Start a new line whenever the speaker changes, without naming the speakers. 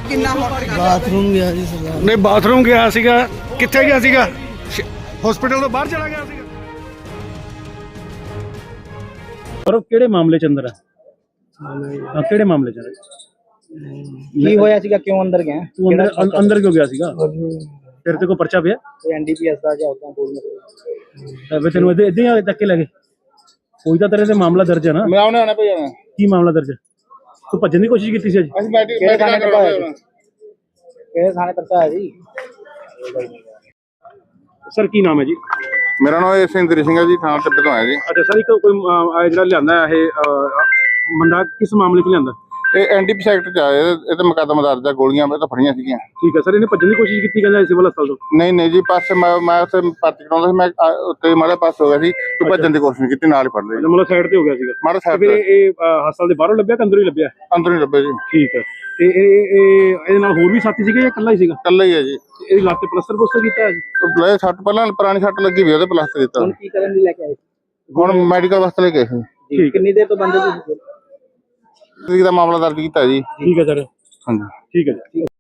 ਕਿੰਨਾ
ਬਾਥਰੂਮ ਗਿਆ ਜੀ ਸਰਦਾਰ।
ਨਹੀਂ ਬਾਥਰੂਮ ਗਿਆ ਸੀਗਾ, ਕਿੱਥੇ ਗਿਆ ਸੀਗਾ? ਹਸਪੀਟਲ ਤੋਂ ਬਾਹਰ ਚਲਾ ਗਿਆ ਸੀਗਾ। ਪਰ ਕਿਹੜੇ ਮਾਮਲੇ ਚ ਅੰਦਰ ਹੈ? ਕਿਹੜੇ ਮਾਮਲੇ ਚ
ਕੀ ਹੋਇਆ ਸੀਗਾ, ਕਿਉਂ ਅੰਦਰ ਗਿਆ?
ਤੂੰ ਅੰਦਰ ਕਿਉਂ ਗਿਆ ਸੀਗਾ? ਤੇਰੇ ਤੇ ਕੋਈ ਪਰਚਾ ਪਿਆ?
ਐਨਡੀਪੀਐਸ ਦਾ ਜਾਂ ਉਦਾਂ ਕੋਈ
ਵੇ ਤੈਨੂੰ ਇੱਦਾਂ ਹੀ ਚੱਕ ਕੇ ਲੈ ਗਏ? ਕੋਈ ਤਾਂ ਤੇਰੇ ਤੇ ਮਾਮਲਾ ਦਰਜ ਹੈ ਨਾ?
ਮੈਂ ਆਉਣਾ ਭਾਈ ਆਉਣਾ।
ਕੀ ਮਾਮਲਾ ਦਰਜ ਹੈ? ਤੂੰ ਭੱਜਣ ਦੀ ਕੋਸ਼ਿਸ਼ ਕੀਤੀ ਸੀ ਅੱਜ?
ਅਸੀਂ ਕਿਹੜੇ ਥਾਣੇ ਪਰਚਾ ਹੈ ਜੀ?
ਸਰ ਕੀ ਨਾਮ ਹੈ ਜੀ?
ਮੇਰਾ ਨਾਮ ਸਿੰਦਰੀ ਸਿੰਘ ਹੈ ਜੀ, ਥਾਣਾ ਟਿੱਬੇ ਤੋਂ ਆਇਆ ਜੀ।
ਅੱਛਾ ਸਰ, ਇੱਕ ਕੋਈ ਜਿਹੜਾ ਲਿਆਂਦਾ ਇਹ ਬੰਦਾ ਕਿਸ ਮਾਮਲੇ 'ਚ ਲਿਆਂਦਾ?
ਇਹ ਐਨਡੀਪੀ ਸੈਕਟਰ ਚ ਆਇਆ, ਇਹ ਤਾਂ ਮੁਕੱਦਮਾ ਦਰਜ ਹੈ, ਗੋਲੀਆਂ ਇਹ ਤਾਂ ਫੜੀਆਂ ਸੀਗੀਆਂ।
ਠੀਕ ਹੈ ਸਰ, ਇਹਨੇ ਭੱਜਣ ਦੀ ਕੋਸ਼ਿਸ਼ ਕੀਤੀ ਕਹਿੰਦਾ ਸਿਵਲ ਹਸਪਤਾਲ ਤੋਂ?
ਨਹੀਂ ਜੀ, ਪਾਸੇ ਮੈਂ ਉੱਥੇ ਭਰਤੀ ਕਰਾਉਂਦਾ ਸੀ, ਮੈਂ ਉੱਤੇ ਮਾੜਾ ਪਾਸ ਹੋ ਗਿਆ ਸੀ, ਤੂੰ ਭੱਜਣ ਦੀ ਕੋਸ਼ਿਸ਼ ਕੀਤੀ, ਨਾਲ ਹੀ ਫੜ ਲਿਆ।
ਮਤਲਬ ਸਾਈਡ ਤੇ ਹੋ ਗਿਆ ਸੀਗਾ
ਮਾੜਾ ਸਾਈਡ
ਫਿਰ ਇਹ ਹਸਪਤਾਲ ਦੇ ਬਾਹਰੋਂ ਲੱਭਿਆ ਕਿ ਅੰਦਰੋਂ ਹੀ ਲੱਭਿਆ?
ਅੰਦਰ ਹੀ ਲੱਭੇ ਜੀ।
ਠੀਕ ਹੈ, ਤੇ ਇਹਦੇ ਨਾਲ ਹੋਰ ਵੀ ਸਾਥੀ ਸੀਗੇ ਜਾਂ ਇਕੱਲਾ ਹੀ ਸੀਗਾ?
ਇਕੱਲਾ ਹੀ ਹੈ ਜੀ।
ਇਹਦੀ ਲੱਤ ਤੇ ਪਲਸਟਰ ਕੀਤਾ ਹੈ ਜੀ?
ਲੈ ਸੱਟ ਪਹਿਲਾਂ ਪੁਰਾਣੀ ਸੱਟ ਲੱਗੀ ਵੀ ਉਹਦੇ ਪਲਾਸਟਰ ਦਿੱਤਾ।
ਹੁਣ ਕੀ ਕਰਨ ਲਈ ਲੈ ਕੇ ਆਏ?
ਹੁਣ ਮੈਡੀਕਲ ਵਾਸਤੇ ਲੈ ਕੇ ਆਏ ਸੀ।
ਕਿੰਨੀ ਦੇਰ ਤੋਂ ਬੰਦੇ ਤੁਸੀਂ
ਦਾ ਮਾਮਲਾ ਦਰਜ ਕੀਤਾ ਜੀ।
ਠੀਕ ਹੈ ਸਰ,
ਹਾਂਜੀ
ਠੀਕ ਹੈ ਜੀ।